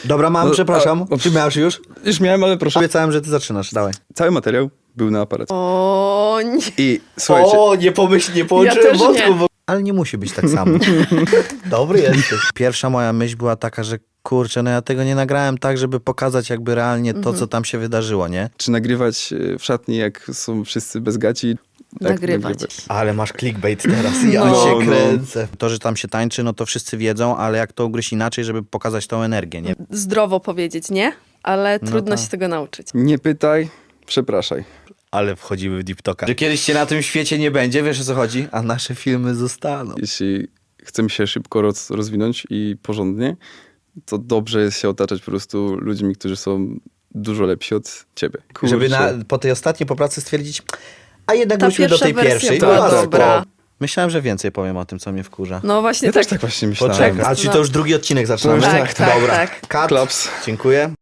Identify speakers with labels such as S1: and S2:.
S1: Dobra, mam, przepraszam. Czy miałeś już?
S2: Już miałem, ale proszę.
S1: Obiecałem, że ty zaczynasz, dawaj.
S2: Cały materiał był na aparacie.
S3: O nie.
S2: I słuchajcie,
S1: nie
S3: połączyłem też wątków, nie.
S1: Ale nie musi być tak samo. Dobry jesteś. Pierwsza moja myśl była taka, że kurczę, no ja tego nie nagrałem tak, żeby pokazać jakby realnie to, co tam się wydarzyło, nie?
S2: czy nagrywać w szatni, jak są wszyscy bez gaci? Tak,
S3: Nagrywać.
S1: Ale masz clickbait teraz, ja
S3: No.
S1: się kręcę. To, że tam się tańczy, no to wszyscy wiedzą, ale jak to ugryźć inaczej, żeby pokazać tą energię, nie?
S3: Zdrowo powiedzieć, nie? Ale trudno
S1: tak.
S3: się tego nauczyć.
S2: Nie pytaj, przepraszaj.
S1: Ale wchodzimy w deep talka. Że kiedyś cię na tym świecie nie będzie, wiesz o co chodzi? A nasze filmy zostaną.
S2: Jeśli chcemy się szybko rozwinąć i porządnie, to dobrze jest się otaczać po prostu ludźmi, którzy są dużo lepsi od ciebie.
S1: Żeby
S2: Kurczę.
S1: po tej ostatniej poprawce stwierdzić, a jednak
S3: Ta
S1: wróćmy do tej
S3: pierwsza wersja
S1: pierwszej.
S3: była
S1: No,
S3: dobra.
S1: spoko. Myślałem, że więcej powiem o tym, co mnie wkurza.
S3: No właśnie
S2: Ja
S3: tak.
S2: też tak właśnie myślałem.
S1: Poczekaj, a czy to już drugi odcinek zaczynamy?
S2: To już
S3: tak,
S1: Dobra.
S3: tak.
S1: Cut.
S2: Klaps.
S1: Dziękuję.